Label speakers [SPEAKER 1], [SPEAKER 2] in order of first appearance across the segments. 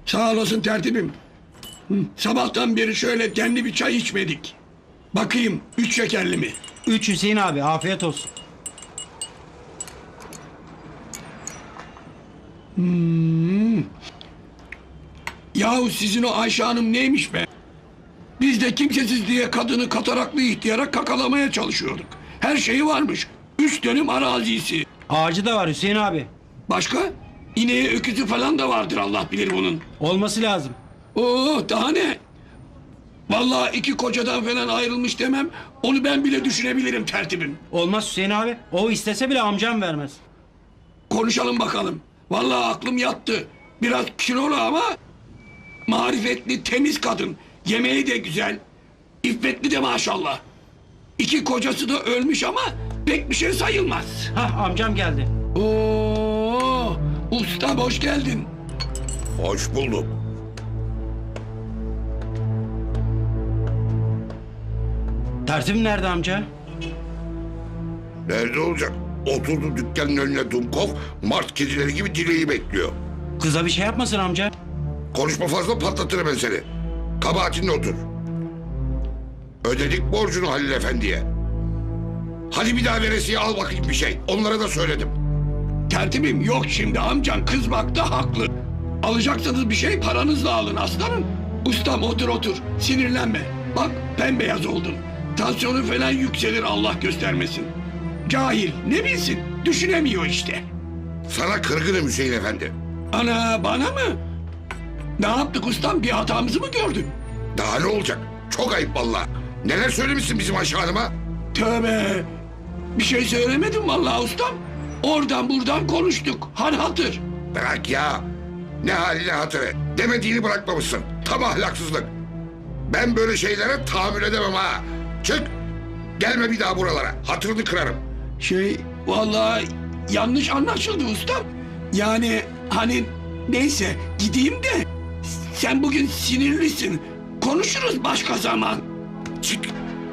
[SPEAKER 1] Sağ olasın tertibim. Sabahtan beri şöyle demli bir çay içmedik. Bakayım 3 şekerli mi?
[SPEAKER 2] 3 Hüseyin abi, afiyet olsun.
[SPEAKER 1] Yahu sizin o Ayşe Hanım neymiş be? Biz de kimsesiz diye kadını kataraklı ihtiyara kakalamaya çalışıyorduk. Her şeyi varmış. 3 dönüm arazisi.
[SPEAKER 2] Ağacı da var Hüseyin abi.
[SPEAKER 1] Başka? İneği öküzü falan da vardır, Allah bilir bunun.
[SPEAKER 2] Olması lazım.
[SPEAKER 1] Oo, daha ne? Vallahi 2 kocadan falan ayrılmış demem. Onu ben bile düşünebilirim tertibim.
[SPEAKER 2] Olmaz Hüseyin abi. O istese bile amcam vermez.
[SPEAKER 1] Konuşalım bakalım. Vallahi aklım yattı. Biraz kilolu ama marifetli, temiz kadın. Yemeği de güzel. İffetli de maşallah. 2 kocası da ölmüş ama pek bir şey sayılmaz.
[SPEAKER 2] Hah, amcam geldi.
[SPEAKER 1] Oo, usta hoş geldin.
[SPEAKER 3] Hoş bulduk.
[SPEAKER 2] Tertibim nerede amca?
[SPEAKER 3] Nerede olacak? Oturdu dükkanın önüne Dumkov, Mart kedileri gibi dileği bekliyor.
[SPEAKER 2] Kıza bir şey yapmasın amca.
[SPEAKER 3] Konuşma fazla, patlatırım ben seni. Kabahatinle otur. Ödedik borcunu Halil Efendi'ye. Hadi bir daha veresiye al bakayım bir şey. Onlara da söyledim.
[SPEAKER 1] Tertibim yok şimdi, amcan kızmakta haklı. Alacaksanız bir şey paranızla alın aslanım. Ustam otur otur, sinirlenme. Bak bembeyaz oldun. Tansiyonu falan yükselir, Allah göstermesin. Cahil ne bilsin, düşünemiyor işte.
[SPEAKER 3] Sana kırgınım Hüseyin Efendi.
[SPEAKER 1] Ana, bana mı? Ne yaptık ustam, bir hatamızı mı gördün?
[SPEAKER 3] Daha ne olacak? Çok ayıp vallahi. Neler söylemişsin bizim Ayşe Hanım'a?
[SPEAKER 1] Tövbe. Bir şey söylemedim vallahi ustam. Oradan buradan konuştuk. Han hatır.
[SPEAKER 3] Bırak ya. Ne haline hatırı. Demediğini bırakmamışsın. Tam ahlaksızlık. Ben böyle şeylere tahammül edemem ha. Çık. Gelme bir daha buralara. Hatırını kırarım.
[SPEAKER 1] Vallahi yanlış anlaşıldı ustam. Yani hani neyse gideyim de sen bugün sinirlisin. Konuşuruz başka zaman.
[SPEAKER 3] Çık.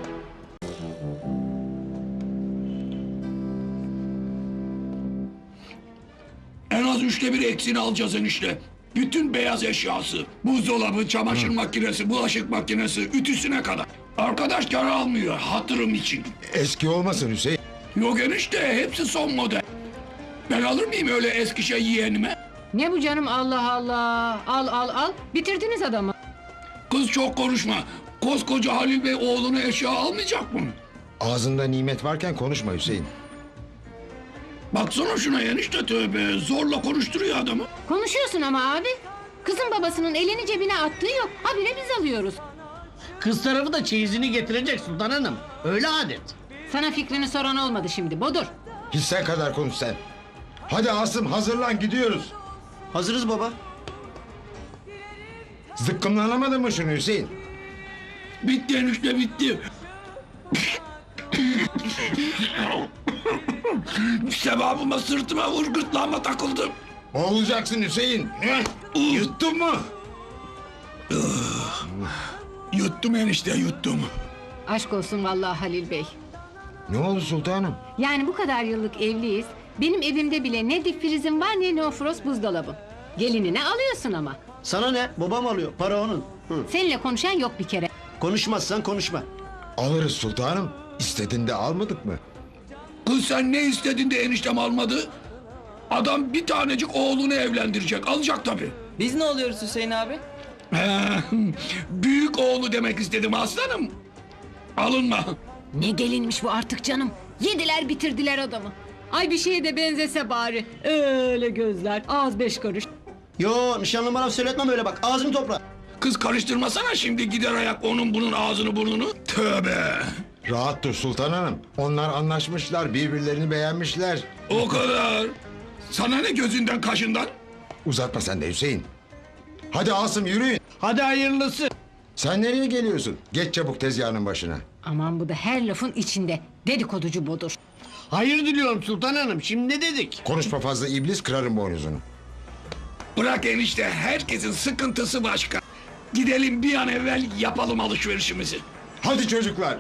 [SPEAKER 1] En az 1/3 eksiğini alacağız enişte. Bütün beyaz eşyası, buzdolabı, çamaşır makinesi, bulaşık makinesi, ütüsüne kadar. Arkadaş kar almıyor hatırım için.
[SPEAKER 4] Eski olmasın Hüseyin.
[SPEAKER 1] Yok enişte, hepsi son model. Ben alır mıyım öyle eski şey yeğenime?
[SPEAKER 5] Ne bu canım, Allah Allah. Al al al. Bitirdiniz adamı.
[SPEAKER 1] Kız çok konuşma. Koskoca Halil Bey oğlunu eşya almayacak mı?
[SPEAKER 4] Ağzında nimet varken konuşma Hüseyin.
[SPEAKER 1] Baksana şuna enişte, tövbe. Zorla konuşturuyor adamı.
[SPEAKER 5] Konuşuyorsun ama abi. Kızın babasının elini cebine attığı yok. Habire biz alıyoruz.
[SPEAKER 6] Kız tarafı da çeyizini getirecek Sultan Hanım. Öyle adet.
[SPEAKER 5] Sana fikrini soran olmadı şimdi Bodur.
[SPEAKER 4] Hissen kadar konuş sen. Hadi Asım hazırlan gidiyoruz.
[SPEAKER 6] Hazırız baba.
[SPEAKER 4] Zıkkımlanamadın mı şunu Hüseyin?
[SPEAKER 1] Bitti enişte, bitti. Sevabıma, sırtıma vur, gırtlağıma takıldım.
[SPEAKER 4] Boğulacaksın Hüseyin. Yuttun mu?
[SPEAKER 1] Yuttum enişte, yuttum.
[SPEAKER 5] Aşk olsun vallahi Halil Bey.
[SPEAKER 4] Ne oldu sultanım?
[SPEAKER 5] Yani bu kadar yıllık evliyiz. Benim evimde bile ne dip prizim var ne neofrost buzdolabım. Gelinine alıyorsun ama.
[SPEAKER 6] Sana ne? Babam alıyor. Para onun. Hı.
[SPEAKER 5] Seninle konuşan yok bir kere.
[SPEAKER 6] Konuşmazsan konuşma.
[SPEAKER 4] Alırız sultanım. İstedin de almadık mı?
[SPEAKER 1] Kız sen ne istedin de eniştem almadı? Adam bir tanecik oğlunu evlendirecek, alacak tabii.
[SPEAKER 7] Biz ne oluyoruz Hüseyin abi?
[SPEAKER 1] Büyük oğlu demek istedim aslanım. Alınma.
[SPEAKER 5] Ne gelinmiş bu artık canım. Yediler bitirdiler adamı. Ay bir şeye de benzese bari. Öyle gözler, ağız 5 karış.
[SPEAKER 6] Yo, nişanlım bana söyletmem öyle bak. Ağzını topla.
[SPEAKER 1] Kız karıştırmasana şimdi gider ayak onun bunun ağzını burnunu. Tövbe.
[SPEAKER 4] Rahat dur sultan hanım. Onlar anlaşmışlar, birbirlerini beğenmişler.
[SPEAKER 1] O kadar. Sana ne gözünden kaşından?
[SPEAKER 4] Uzatma sen de Hüseyin. Hadi Asım yürüyün.
[SPEAKER 6] Hadi hayırlısı.
[SPEAKER 4] Sen nereye geliyorsun? Geç çabuk tezgahının başına.
[SPEAKER 5] Aman bu da her lafın içinde. Dedikoducu Bodur.
[SPEAKER 6] Hayır diliyorum Sultan Hanım. Şimdi ne dedik?
[SPEAKER 4] Konuşma fazla iblis, kırarım boynuzunu.
[SPEAKER 1] Bırak enişte, herkesin sıkıntısı başka. Gidelim bir an evvel yapalım alışverişimizi.
[SPEAKER 4] Hadi çocuklar.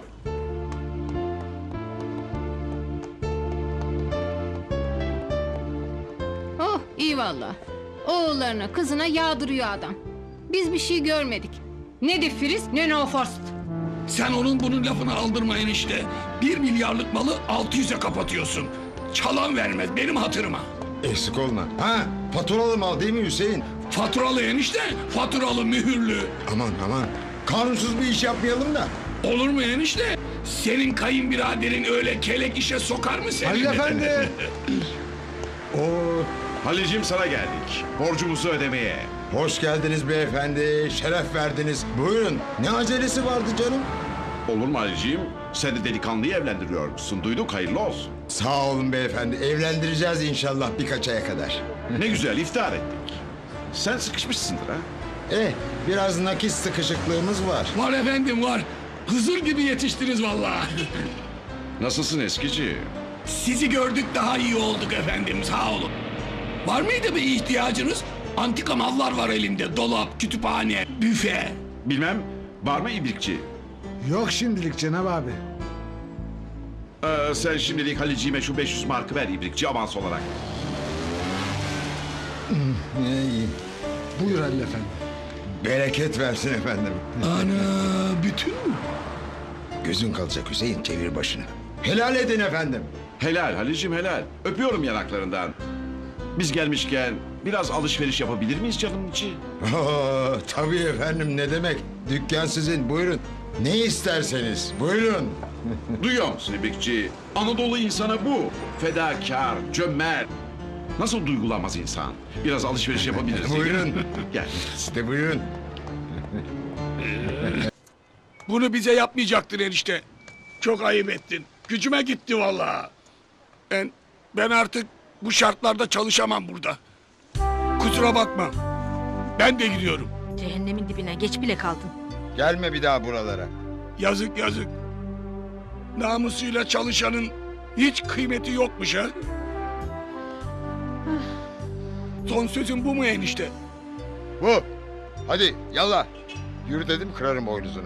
[SPEAKER 5] Oh iyi valla. Oğullarına kızına yağdırıyor adam. Biz bir şey görmedik. Ne difriz ne no forst.
[SPEAKER 1] Sen onun bunun lafını aldırmayın işte. 1 milyarlık malı 600'e kapatıyorsun. Çalan vermez benim hatırıma.
[SPEAKER 4] Eksik olma. Ha, faturalı mal değil mi Hüseyin?
[SPEAKER 1] Faturalı enişte, faturalı mühürlü.
[SPEAKER 4] Aman aman. Kanunsuz bir iş yapmayalım da.
[SPEAKER 1] Olur mu enişte? Senin kayınbiraderin öyle kelek işe sokar mı seni?
[SPEAKER 4] Halil Efendi. Oo,
[SPEAKER 8] Halil'cim sana geldik. Borcumuzu ödemeye.
[SPEAKER 4] hoş geldiniz beyefendi. Şeref verdiniz. Buyurun. Ne acelesi vardı canım?
[SPEAKER 8] Olur mu Halil'cim? Sen de delikanlıyı evlendiriyormuşsun. Duyduk, hayırlı olsun.
[SPEAKER 4] Sağ olun beyefendi. Evlendireceğiz inşallah birkaç aya kadar.
[SPEAKER 8] Ne güzel iftar ettik. Sen sıkışmışsındır ha?
[SPEAKER 4] Biraz nakit sıkışıklığımız var.
[SPEAKER 1] Var efendim var. Hızır gibi yetiştiniz vallahi.
[SPEAKER 8] Nasılsın eskici?
[SPEAKER 1] Sizi gördük daha iyi olduk efendim sağ olun. Var mıydı bir ihtiyacınız? Antika mallar var elimde. Dolap, kütüphane, büfe.
[SPEAKER 8] Bilmem, var mı ibrikçi?
[SPEAKER 9] Yok şimdilik Cenab abi.
[SPEAKER 8] Sen şimdilik Halil'ciğime şu 500 markı ver ibrikçi avans olarak.
[SPEAKER 4] İyi.
[SPEAKER 9] Buyur Halil Efendi.
[SPEAKER 4] Bereket versin efendim.
[SPEAKER 1] Ana bütün mü?
[SPEAKER 4] Gözün kalacak Hüseyin, çevir başını. Helal edin efendim.
[SPEAKER 8] Helal Halil'cim helal. Öpüyorum yanaklarından. Biz gelmişken biraz alışveriş yapabilir miyiz canım içi?
[SPEAKER 4] Tabii efendim, ne demek. Dükkan sizin, buyurun. Ne isterseniz, buyurun.
[SPEAKER 8] Duyuyor musun ibrikçi? Anadolu insanı bu. Fedakar, cömert. Nasıl duygulanmaz insan? Biraz alışveriş yapabiliriz.
[SPEAKER 4] Buyurun.
[SPEAKER 8] Gel.
[SPEAKER 4] İşte buyurun.
[SPEAKER 1] Bunu bize yapmayacaktın enişte. Çok ayıp ettin. Gücüme gitti vallahi. Ben artık bu şartlarda çalışamam burada. Kusura bakma. Ben de gidiyorum.
[SPEAKER 5] Cehennemin dibine geç bile kaldın.
[SPEAKER 4] Gelme bir daha buralara.
[SPEAKER 1] Yazık yazık. Namusuyla çalışanın hiç kıymeti yokmuş ha. Son sözün bu mu enişte?
[SPEAKER 4] Bu. Hadi yallah. Yürü dedim, kırarım boynuzunu.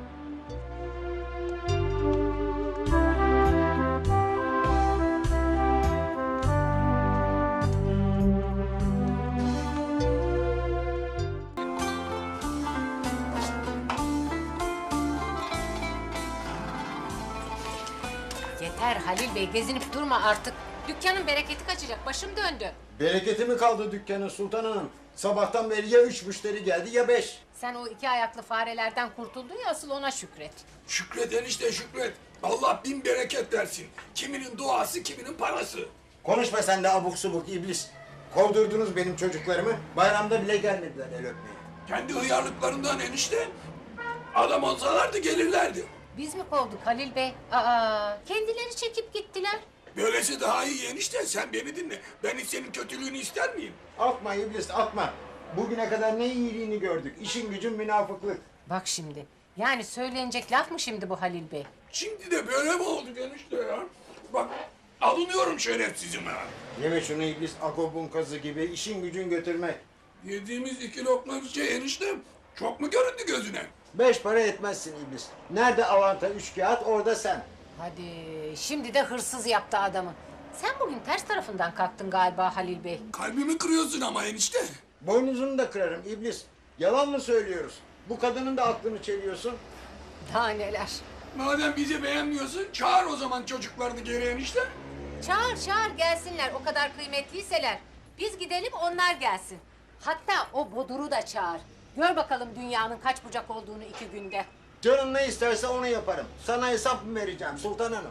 [SPEAKER 10] Yeter Halil Bey, gezinip durma artık. Dükkanın bereketi kaçacak, başım döndü.
[SPEAKER 11] Bereketi mi kaldı dükkanın Sultan Hanım? Sabahtan beri ya 3 müşteri geldi ya 5.
[SPEAKER 10] Sen o 2 ayaklı farelerden kurtuldun ya, asıl ona şükret.
[SPEAKER 1] Şükret enişte şükret. Allah bin bereket versin. Kiminin duası kiminin parası.
[SPEAKER 11] Konuşma sen de abuk subuk iblis. Kovdurdunuz benim çocuklarımı. Bayramda bile gelmediler el öpmeye.
[SPEAKER 1] Kendi hıyarlıklarından enişte. Adam olsalardı gelirlerdi.
[SPEAKER 10] Biz mi kovduk Halil Bey? Aa, kendileri çekip gittiler.
[SPEAKER 1] Böylesi daha iyi enişte. Sen beni dinle. Ben hiç senin kötülüğünü ister miyim?
[SPEAKER 11] Atma iblis atma. Bugüne kadar ne iyiliğini gördük. İşin gücün münafıklık.
[SPEAKER 10] Bak şimdi, yani söylenecek laf mı şimdi bu Halil Bey?
[SPEAKER 1] Şimdi de böyle mi oldu enişte ya? Bak alınıyorum şerefsizime.
[SPEAKER 11] Yeme şunu iblis akobun kazı gibi işin gücün götürmek.
[SPEAKER 1] Yediğimiz 2 lokma bir şey enişte. Çok mu göründü gözüne?
[SPEAKER 11] 5 para etmezsin iblis. Nerede avanta 3 kağıt orada sen.
[SPEAKER 10] Hadi, şimdi de hırsız yaptı adamı. Sen bugün ters tarafından kalktın galiba Halil Bey.
[SPEAKER 1] Kalbimi kırıyorsun ama enişte.
[SPEAKER 11] Boynuzunu da kırarım iblis. Yalan mı söylüyoruz? Bu kadının da aklını çeliyorsun.
[SPEAKER 10] Daha neler.
[SPEAKER 1] Madem bizi beğenmiyorsun çağır o zaman çocuklarını geri enişte.
[SPEAKER 10] Çağır gelsinler, o kadar kıymetliyseler. Biz gidelim, onlar gelsin. Hatta o Bodur'u da çağır. Gör bakalım dünyanın kaç bucak olduğunu 2 günde.
[SPEAKER 11] Canın ne isterse onu yaparım. Sana hesap mı vereceğim Sultan Hanım?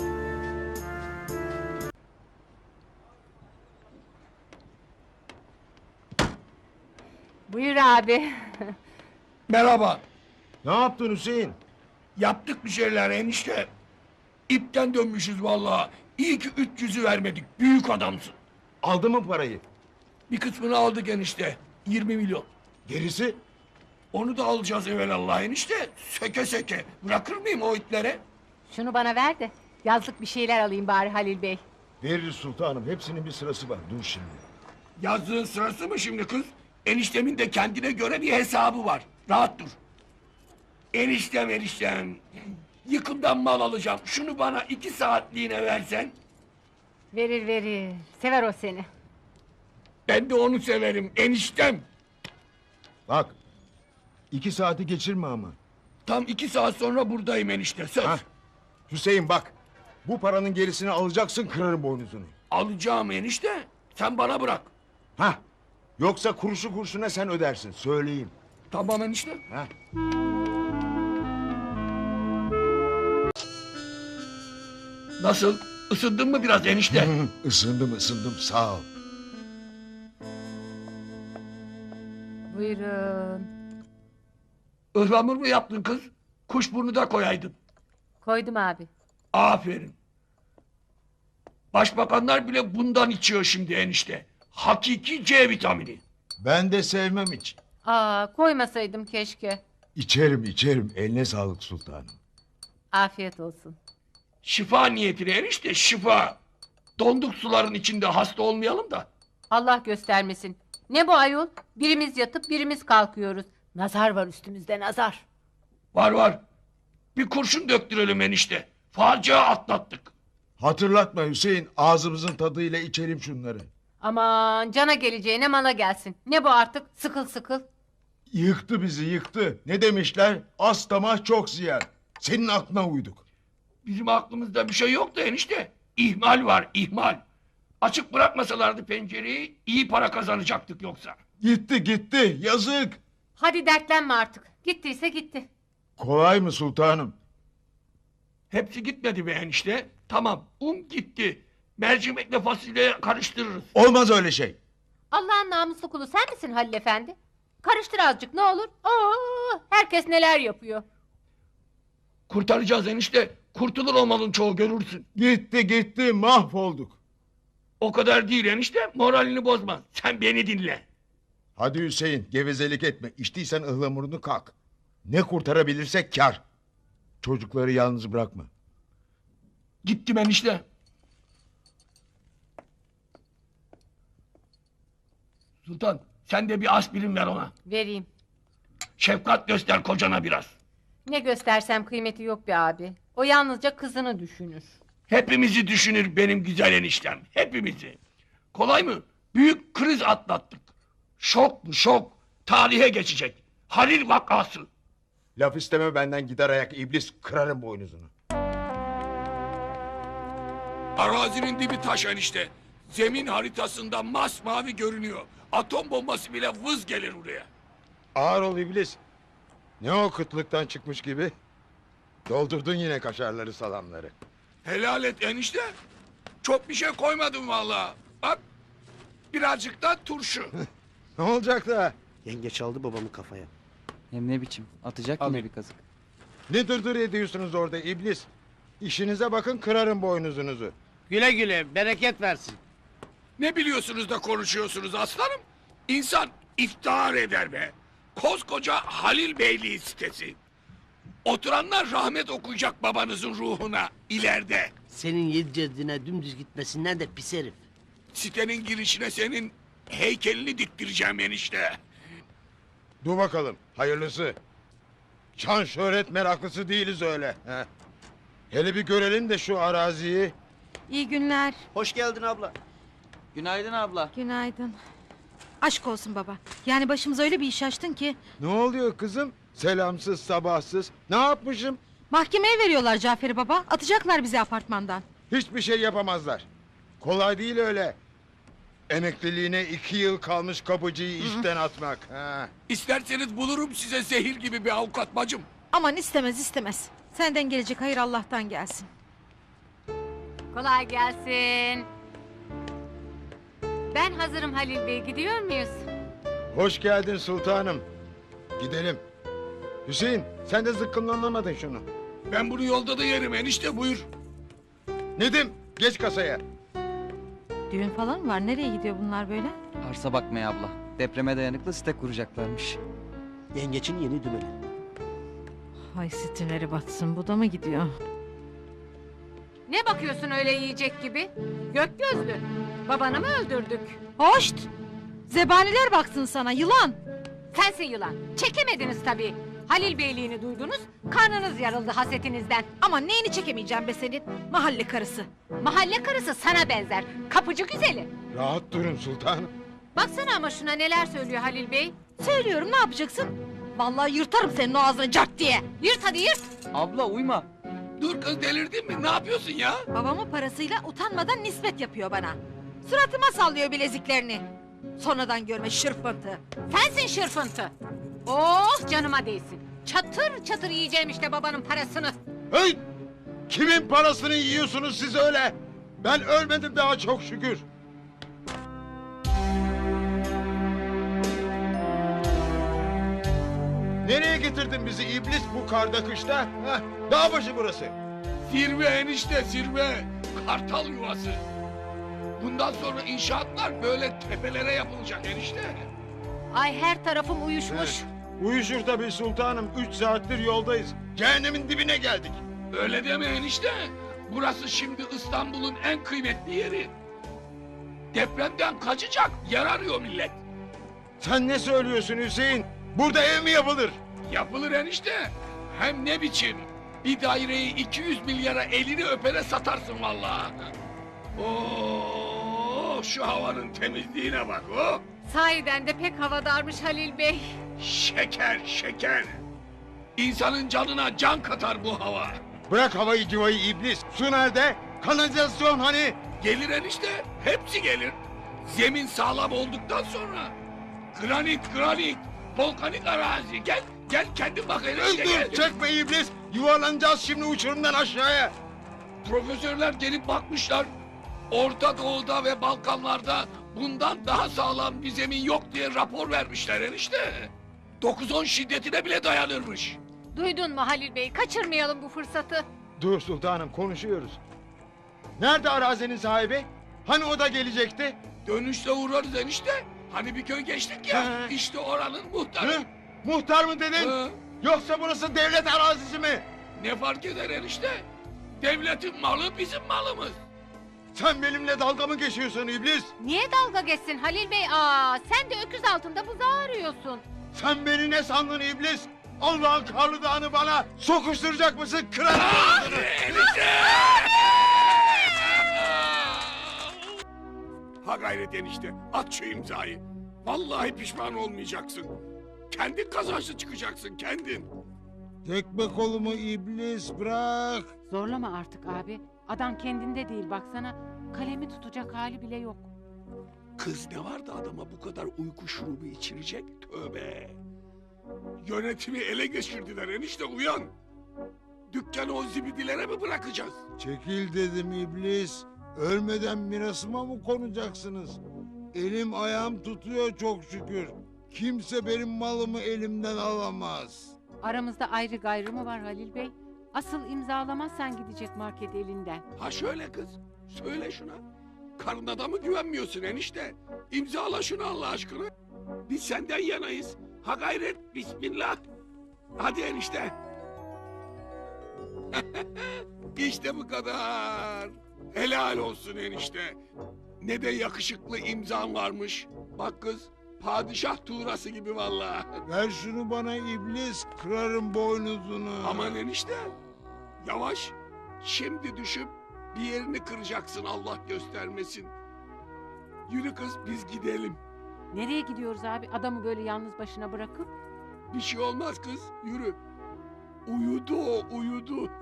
[SPEAKER 10] Buyur abi.
[SPEAKER 1] Merhaba.
[SPEAKER 4] Ne yaptın Hüseyin?
[SPEAKER 1] Yaptık bir şeyler enişte. İpten dönmüşüz vallahi. İyi ki 300'ü vermedik. Büyük adamsın.
[SPEAKER 4] Aldı mı parayı?
[SPEAKER 1] Bir kısmını aldık enişte. 20 milyon.
[SPEAKER 4] Gerisi?
[SPEAKER 1] Onu da alacağız evvelallah enişte. Söke söke. Bırakır mıyım o itlere?
[SPEAKER 10] Şunu bana ver de yazlık bir şeyler alayım bari Halil Bey.
[SPEAKER 4] Veririz sultanım. Hepsinin bir sırası var. Dur şimdi.
[SPEAKER 1] Yazdığın sırası mı şimdi kız? Eniştemin de kendine göre bir hesabı var. Rahat dur. Eniştem. Yıkımdan mal alacağım. Şunu bana 2 saatliğine versen.
[SPEAKER 10] Verir. Sever o seni.
[SPEAKER 1] Ben de onu severim eniştem.
[SPEAKER 4] Bak 2 saati geçirme ama.
[SPEAKER 1] Tam 2 saat sonra buradayım enişte söz.
[SPEAKER 4] Ha? Hüseyin bak. Bu paranın gerisini alacaksın, kırarım boynuzunu.
[SPEAKER 1] Alacağım enişte. Sen bana bırak.
[SPEAKER 4] Ha? Yoksa kuruşu kurşuna sen ödersin, söyleyeyim.
[SPEAKER 1] Tamam enişte.
[SPEAKER 4] Ha?
[SPEAKER 1] Nasıl? Isındın mı biraz enişte?
[SPEAKER 4] Isındım sağ ol.
[SPEAKER 10] Buyurun.
[SPEAKER 1] Ihlamur mu yaptın kız? Kuşburnu da koyaydın.
[SPEAKER 10] Koydum abi.
[SPEAKER 1] Aferin. Başbakanlar bile bundan içiyor şimdi enişte. Hakiki C vitamini.
[SPEAKER 4] Ben de sevmem hiç.
[SPEAKER 10] Koymasaydım keşke.
[SPEAKER 4] İçerim. Eline sağlık sultanım.
[SPEAKER 10] Afiyet olsun.
[SPEAKER 1] Şifa niyetine enişte şifa. Donduk suların içinde hasta olmayalım da.
[SPEAKER 10] Allah göstermesin. Ne bu ayol? Birimiz yatıp birimiz kalkıyoruz. Nazar var üstümüzde nazar.
[SPEAKER 1] Var. Bir kurşun döktürelim enişte. Facia atlattık.
[SPEAKER 4] Hatırlatma Hüseyin, ağzımızın tadıyla içelim şunları.
[SPEAKER 10] Aman cana geleceğine mala gelsin. Ne bu artık? Sıkıl sıkıl.
[SPEAKER 4] Yıktı bizi, yıktı. Ne demişler? Az tamah çok ziyan. Senin aklına uyduk.
[SPEAKER 1] Bizim aklımızda bir şey yok da enişte. İhmal var, ihmal. Açık bırakmasalardı pencereyi iyi para kazanacaktık yoksa.
[SPEAKER 4] Gitti, yazık.
[SPEAKER 10] Hadi dertlenme artık. Gittiyse gitti.
[SPEAKER 4] Kolay mı sultanım?
[SPEAKER 1] Hepsi gitmedi be enişte. Tamam, un gitti. Mercimekle fasulye karıştırırız.
[SPEAKER 4] Olmaz öyle şey.
[SPEAKER 10] Allah'ın namuslu kulu sen misin Halil Efendi? Karıştır azıcık ne olur. Herkes neler yapıyor.
[SPEAKER 1] Kurtaracağız enişte. Kurtulur o malın çoğu görürsün.
[SPEAKER 4] Gitti, mahvolduk.
[SPEAKER 1] O kadar değil enişte. Moralini bozma. Sen beni dinle.
[SPEAKER 4] Hadi Hüseyin, gevezelik etme. İçtiysen ıhlamurunu kalk. Ne kurtarabilirsek kar. Çocukları yalnız bırakma.
[SPEAKER 1] Gittim enişte. Sultan sen de bir aspirin ver ona.
[SPEAKER 10] Vereyim.
[SPEAKER 1] Şefkat göster kocana biraz.
[SPEAKER 10] Ne göstersem kıymeti yok be abi. O yalnızca kızını düşünür.
[SPEAKER 1] Hepimizi düşünür benim güzel eniştem. Hepimizi. Kolay mı? Büyük kriz atlattık. Şok bu şok. Tarihe geçecek. Halil vakası.
[SPEAKER 4] Laf isteme benden, gider ayak iblis, kırarım boynuzunu.
[SPEAKER 1] Arazinin dibi taş enişte. Zemin haritasında masmavi görünüyor. Atom bombası bile vız gelir buraya.
[SPEAKER 4] Ağır ol iblis. Ne o kıtlıktan çıkmış gibi? Doldurdun yine kaşarları salamları.
[SPEAKER 1] Helal et enişte. Çok bir şey koymadım vallahi. Bak birazcık da turşu.
[SPEAKER 4] Ne olacak da?
[SPEAKER 11] Yenge çaldı babamı kafaya.
[SPEAKER 7] Hem ne biçim? Atacak yine bir kazık.
[SPEAKER 4] Ne dırdır ediyorsunuz orada iblis? İşinize bakın, kırarım boynuzunuzu.
[SPEAKER 6] Güle güle bereket versin.
[SPEAKER 1] Ne biliyorsunuz da konuşuyorsunuz aslanım? İnsan iftihar eder be. Koskoca Halil Beyliği sitesi. Oturanlar rahmet okuyacak babanızın ruhuna ileride.
[SPEAKER 6] Senin yedi ceddine dümdüz gitmesinden de pis herif.
[SPEAKER 1] Sitenin girişine senin heykelini diktireceğim enişte.
[SPEAKER 4] Dur bakalım, hayırlısı. Şan şöhret meraklısı değiliz öyle. He. Hele bir görelim de şu araziyi.
[SPEAKER 5] İyi günler.
[SPEAKER 11] Hoş geldin abla.
[SPEAKER 7] Günaydın abla.
[SPEAKER 5] Günaydın. Aşk olsun baba. Yani başımıza öyle bir iş açtın ki.
[SPEAKER 4] Ne oluyor kızım? Selamsız, sabahsız. Ne yapmışım?
[SPEAKER 5] Mahkemeye veriyorlar Cafer'i baba. Atacaklar bizi apartmandan.
[SPEAKER 4] Hiçbir şey yapamazlar. Kolay değil öyle. Emekliliğine 2 yıl kalmış kapıcıyı işten atmak. Ha.
[SPEAKER 1] İsterseniz bulurum size zehir gibi bir avukat bacım.
[SPEAKER 5] Aman istemez. Senden gelecek hayır Allah'tan gelsin.
[SPEAKER 10] Kolay gelsin. Ben hazırım Halil Bey. Gidiyor muyuz?
[SPEAKER 4] Hoş geldin sultanım. Gidelim. Hüseyin, sen de zıkkımlanamadın şunu.
[SPEAKER 1] Ben bunu yolda da yerim enişte buyur.
[SPEAKER 4] Nedim, geç kasaya.
[SPEAKER 5] Düğün falan mı var? Nereye gidiyor bunlar böyle?
[SPEAKER 7] Arsa bakmaya abla. Depreme dayanıklı site kuracaklarmış.
[SPEAKER 11] Yengeçin yeni dümeni.
[SPEAKER 5] Hay sitinleri batsın. Bu da mı gidiyor?
[SPEAKER 10] Ne bakıyorsun öyle yiyecek gibi? Gök gözlü. Babanı mı öldürdük?
[SPEAKER 5] Hoşt! Zebaniler baksın sana yılan.
[SPEAKER 10] Sensin yılan. Çekemediniz tabii. Halil Beyliğini duydunuz. Karnınız yarıldı hasetinizden.
[SPEAKER 5] Ama neyini çekemeyeceğim be senin? Mahalle karısı.
[SPEAKER 10] Mahalle karısı sana benzer. Kapıcı güzeli.
[SPEAKER 4] Rahat durun sultanım.
[SPEAKER 10] Baksana ama şuna neler söylüyor Halil Bey.
[SPEAKER 5] Söylüyorum, ne yapacaksın? Vallahi yırtarım senin o ağzını cart diye.
[SPEAKER 10] Yırt hadi yırt.
[SPEAKER 7] Abla uyma.
[SPEAKER 1] Dur kız, delirdin mi? Ne yapıyorsun ya?
[SPEAKER 5] Babamın parasıyla utanmadan nispet yapıyor bana. Suratıma sallıyor bileziklerini. Sonradan görme şırfıntı.
[SPEAKER 10] Sensin şırfıntı. Oh canıma değsin. Çatır çatır yiyeceğim işte babanın parasını.
[SPEAKER 4] Hey! Kimin parasını yiyorsunuz siz öyle? Ben ölmedim daha çok şükür. Nereye getirdin bizi iblis bu karda kışta? Heh, dağ başı burası.
[SPEAKER 1] Zirve enişte, zirve. Kartal yuvası. Bundan sonra inşaatlar böyle tepelere yapılacak enişte.
[SPEAKER 10] Ay her tarafım uyuşmuş.
[SPEAKER 4] Uyuşur tabii sultanım. 3 saattir yoldayız. Cehennemin dibine geldik.
[SPEAKER 1] Öyle deme enişte. Burası şimdi İstanbul'un en kıymetli yeri. Depremden kaçacak yer arıyor millet.
[SPEAKER 4] Sen ne söylüyorsun Hüseyin? Burada ev mi yapılır?
[SPEAKER 1] Yapılır enişte. Hem ne biçim. Bir daireyi 200 milyara elini öpere satarsın vallahi. Oo, şu havanın temizliğine bak o.
[SPEAKER 10] Sahiden de pek havadarmış Halil Bey.
[SPEAKER 1] Şeker, şeker. İnsanın canına can katar bu hava.
[SPEAKER 4] Bırak havayı civayı iblis. Su nerede? Kanalizasyon hani?
[SPEAKER 1] Gelir enişte, hepsi gelir. Zemin sağlam olduktan sonra. Granit, granit, volkanik arazi. Gel, gel kendin bak enişte gel.
[SPEAKER 4] Dur çekme iblis. Yuvarlanacağız şimdi uçurumdan aşağıya.
[SPEAKER 1] Profesörler gelip bakmışlar. Orta Doğu'da ve Balkanlarda bundan daha sağlam bir zemin yok diye rapor vermişler enişte. 9-10 şiddetine bile dayanırmış.
[SPEAKER 10] Duydun mu Halil Bey? Kaçırmayalım bu fırsatı.
[SPEAKER 4] Dur sultanım konuşuyoruz. Nerede arazinin sahibi? Hani o da gelecekti?
[SPEAKER 1] Dönüşte uğrarız enişte. Hani bir köy geçtik ya.
[SPEAKER 4] He.
[SPEAKER 1] İşte oranın muhtarı.
[SPEAKER 4] Hı? Muhtar mı dedin?
[SPEAKER 1] Hı.
[SPEAKER 4] Yoksa burası devlet arazisi mi?
[SPEAKER 1] Ne fark eder enişte? Devletin malı bizim malımız.
[SPEAKER 4] Sen benimle dalga mı geçiyorsun iblis?
[SPEAKER 10] Niye dalga geçsin Halil Bey? Aa, sen de öküz altında buzağı arıyorsun.
[SPEAKER 4] Sen beni ne sandın iblis? Allah'ın karlı dağını bana sokuşturacak mısın? Kırarım ağzını.
[SPEAKER 1] Ha gayret enişte, at şu imzayı. Vallahi pişman olmayacaksın. Kendin kazançlı çıkacaksın, kendin.
[SPEAKER 4] Tekme kolumu iblis bırak.
[SPEAKER 5] Zorlama artık abi. Adam kendinde değil baksana. Kalemi tutacak hali bile yok.
[SPEAKER 1] Kız ne vardı adama bu kadar uyku şurubu içirecek? Tövbe. Yönetimi ele geçirdiler enişte, uyan. Dükkanı o zibidilere mi bırakacağız?
[SPEAKER 4] Çekil dedim iblis. Ölmeden mirasıma mı konacaksınız? Elim ayağım tutuyor çok şükür. Kimse benim malımı elimden alamaz.
[SPEAKER 5] Aramızda ayrı gayrı mı var Halil Bey? Asıl imzalamazsan gidecek market elinden.
[SPEAKER 1] Ha şöyle kız, söyle şuna. Karına da mı güvenmiyorsun enişte? İmzala şunu Allah aşkına. Biz senden yanayız. Ha gayret, bismillah. Hadi enişte. İşte bu kadar. Helal olsun enişte. Ne de yakışıklı imzan varmış. Bak kız, padişah tuğrası gibi vallahi.
[SPEAKER 4] Ver şunu bana iblis, kırarım boynuzunu.
[SPEAKER 1] Aman enişte. Yavaş. Şimdi düşüp bir yerini kıracaksın, Allah göstermesin. Yürü kız, biz gidelim.
[SPEAKER 5] Nereye gidiyoruz abi? Adamı böyle yalnız başına bırakıp?
[SPEAKER 1] Bir şey olmaz kız, yürü. Uyudu o, uyudu.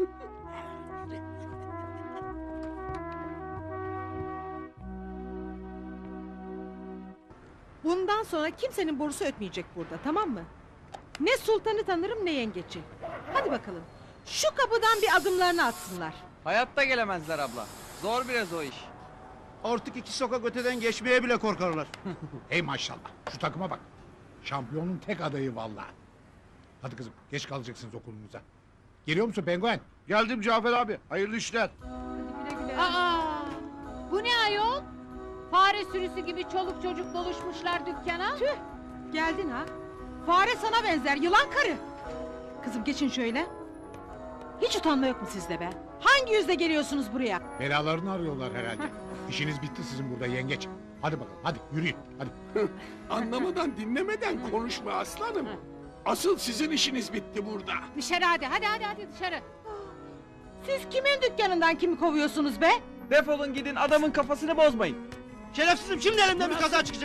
[SPEAKER 5] Bundan sonra kimsenin borusu ötmeyecek burada, tamam mı? Ne sultanı tanırım ne yengeci. Hadi bakalım. Şu kapıdan bir adımlarını atsınlar.
[SPEAKER 7] Hayatta gelemezler abla. Zor biraz o iş.
[SPEAKER 9] Artık 2 sokak öteden geçmeye bile korkarlar. Hey maşallah. Şu takıma bak. Şampiyonun tek adayı vallahi. Hadi kızım geç kalacaksınız okulunuza. Geliyor musun penguen?
[SPEAKER 4] Geldim Cafer abi, hayırlı işler.
[SPEAKER 10] Aa, bu ne ayol? Fare sürüsü gibi çoluk çocuk doluşmuşlar dükkana.
[SPEAKER 5] Tüh! Geldin ha. Fare sana benzer, yılan karı. Kızım geçin şöyle. Hiç utanma yok mu sizde be? Hangi yüzle geliyorsunuz buraya?
[SPEAKER 9] Belalarını arıyorlar herhalde. İşiniz bitti sizin burada yengeç. Hadi bakalım hadi yürüyün hadi.
[SPEAKER 1] Anlamadan dinlemeden konuşma aslanım. Asıl sizin işiniz bitti burada.
[SPEAKER 10] Dışarı hadi, hadi dışarı.
[SPEAKER 5] Siz kimin dükkanından kimi kovuyorsunuz be?
[SPEAKER 7] Defolun gidin adamın kafasını bozmayın.
[SPEAKER 6] Şerefsizim şimdi elimden bir kaza çıkacak.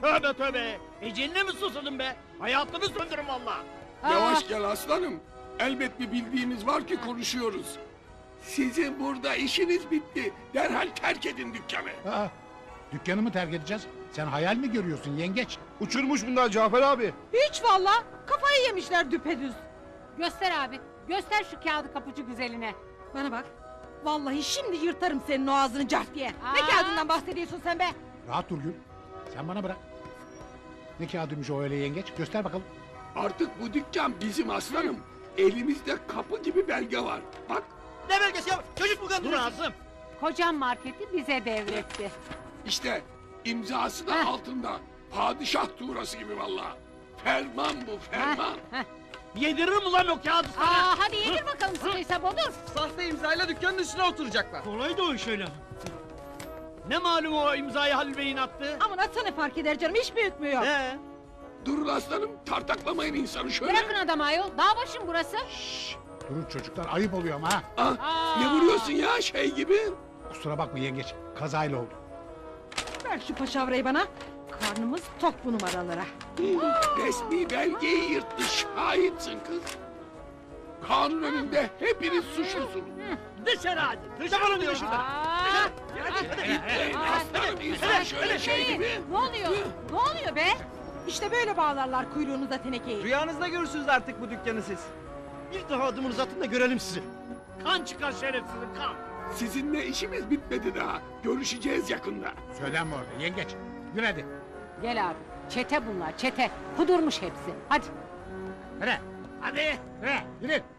[SPEAKER 6] Tövbe tövbe. Eceline mi susadın be? Hayatını söndürün valla.
[SPEAKER 1] Yavaş gel aslanım. Elbet bir bildiğimiz var ki konuşuyoruz. Sizin burada işiniz bitti. Derhal terk edin dükkanı.
[SPEAKER 9] Aa, dükkanımı terk edeceğiz. Sen hayal mi görüyorsun yengeç?
[SPEAKER 11] Uçurmuş bunlar Cafer abi.
[SPEAKER 5] Hiç valla. Kafayı yemişler düpedüz.
[SPEAKER 10] Göster abi. Göster şu kağıdı kapıcı güzeline.
[SPEAKER 5] Bana bak. Vallahi şimdi yırtarım senin o ağzını cart diye. Ne
[SPEAKER 10] Aa!
[SPEAKER 5] kağıdından bahsediyorsun sen be?
[SPEAKER 9] Rahat dur Gül. Sen bana bırak. Ne kağıdıymış o öyle yengeç? Göster bakalım.
[SPEAKER 1] Artık bu dükkan bizim aslanım. Elimizde kapı gibi belge var. Bak
[SPEAKER 6] Ne belgesi ya? Çocuk mu kandırıyorsun?
[SPEAKER 10] Kocam marketi bize devretti.
[SPEAKER 1] işte imzası da
[SPEAKER 10] Heh.
[SPEAKER 1] altında. Padişah tuğrası gibi vallahi. Ferman bu ferman.
[SPEAKER 6] Yediririm ulan o kağıdı sana.
[SPEAKER 10] Aa, hadi yedir bakalım sıkıysa bodur.
[SPEAKER 11] Sahte imzayla dükkanın üstüne oturacaklar.
[SPEAKER 6] Kolay da o iş öyle. Ne malum o imzayı Halil Bey'in attı?
[SPEAKER 5] Aman atsa ne fark eder canım hiç büyütmüyor.
[SPEAKER 1] Durun aslanım tartaklamayın insanı şöyle.
[SPEAKER 10] Bırakın adamı ayol. Dağ başım burası.
[SPEAKER 9] Durun çocuklar ayıp oluyor ama ha.
[SPEAKER 1] Ah, ne vuruyorsun ya şey gibi?
[SPEAKER 9] Kusura bakma yengeç. Kazayla oldu.
[SPEAKER 5] Ver şu paşavrayı bana. Karnımız tok bu numaralara.
[SPEAKER 1] Resmi belgeyi yırttı şahitsin kız. Kanun önünde hepiniz suçlusunuz.
[SPEAKER 6] Dışarı hadi. Dışarı diyor şuradan.
[SPEAKER 10] Aa,
[SPEAKER 1] Gitmeyin aslanım insan şöyle şey gibi.
[SPEAKER 10] ne oluyor? Ne oluyor be?
[SPEAKER 5] İşte böyle bağlarlar kuyruğunuza tenekeyi.
[SPEAKER 11] Rüyanızda görürsünüz artık bu dükkanı siz.
[SPEAKER 6] Bir daha adımını uzatın da görelim sizi. Kan çıkar şerefsizin kan.
[SPEAKER 1] Sizinle işimiz bitmedi daha. Görüşeceğiz yakında.
[SPEAKER 9] Söylenme orada yengeç. Yürü hadi.
[SPEAKER 10] Gel abi. Çete bunlar çete. Kudurmuş hepsi. Hadi.
[SPEAKER 9] Hadi. Hadi. Yürü.